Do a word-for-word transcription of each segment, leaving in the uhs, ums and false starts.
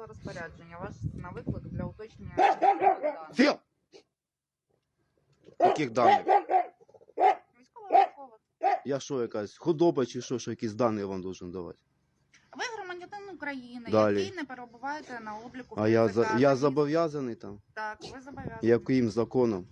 написала розпорядження. Вас на виклик для уточнення даних. Філ! Яких даних? Військово-військово. Я що, якась худоба чи що, що якісь дані я вам должен давати? Ви громадянин України, Далі. який не перебуваєте на обліку. А я, ТЦК. за, я зобов'язаний там? Так, ви зобов'язані. Яким законом?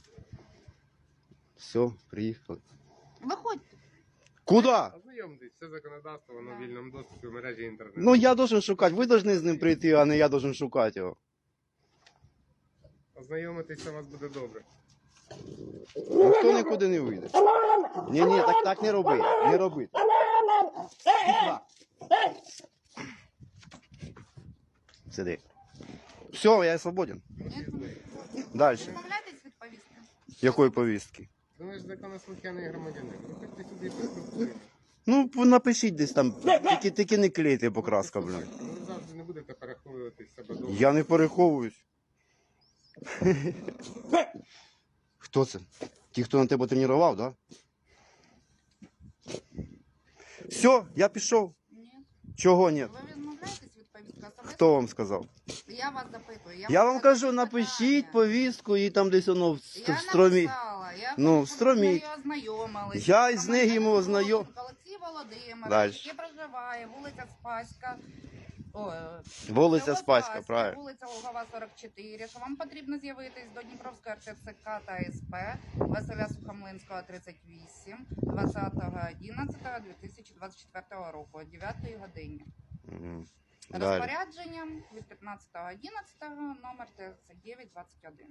Все, приїхали. Виходьте. Куди? Ознайомтесь, все законодавство, воно в вільному доступі в мережі інтернету. Ну я должен шукати, ви должны з ним прийти, а не я должен шукати його. Ознайомитись, у вас буде добре. Ніхто нікуди не вийде. Ні, ні, так, так не роби, не роби. Сиди. Все, я свободен. Ні? Далі. Відмовляєтесь від повістки? Якої повістки? Ну ви ж законослухняний громадянин. Приходьте сюди і поспілкуєтесь. Ну, напишіть десь там, тільки, тільки не клейте покраска, блин. Ну, ви завжди не будете переховувати себе довго. Я не переховуюсь. Хто це? Ті, хто на тебе тренував, да? Все, я пішов. Ні. Чого ні? Ви відмовляєтесь від повістки? Особисто? Хто вам сказав? Я вас запитую. Я, Я вас вам кажу, задаю напишіть питання. повістку і там десь воно в, Я в стромі. написала. Я Ну, хочу, в стромі. щоб ви нею ознайомились. Я із нею йому Громадянин ознайом- Волошенко Олексій Володимирович, Дальше. який проживає, вулиця Спаська. О, е, Вулиця село Спаська, правильно. Вулиця Лугова, сорок чотири, що вам потрібно з'явитись до Дніпровської РТЦК та СП Василя Сухомлинського, тридцять вісім, двадцятого одинадцятого дві тисячі двадцять четвертого року, о дев'ятій годині. Мгм. Далі. Розпорядженням від п'ятнадцятого одинадцятого, номер тридцять дев'ять двадцять один.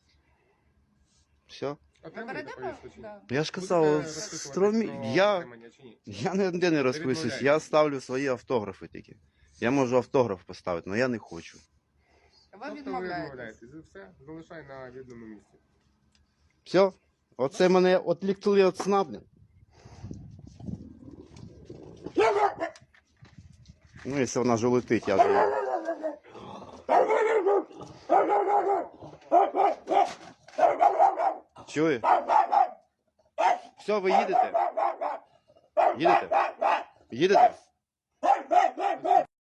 Все? Отримуєте передали? повістку чи ні? Да. Я ж Будете казав, в розписуватись стромі. про Я, отримання чи ні? я ніде не розписуюсь, відмовляєтесь? я ставлю свої автографи тільки. Я можу автограф поставити, але я не хочу. Ви Тобто ви відмовляєтесь. відмовляєтесь. І все, залишай на відному місці. Все? Оце мене відліктили від сна, блін. Ну, якщо вона вже летить, я вже... Чує? Все, ви їдете? Їдете? Їдете?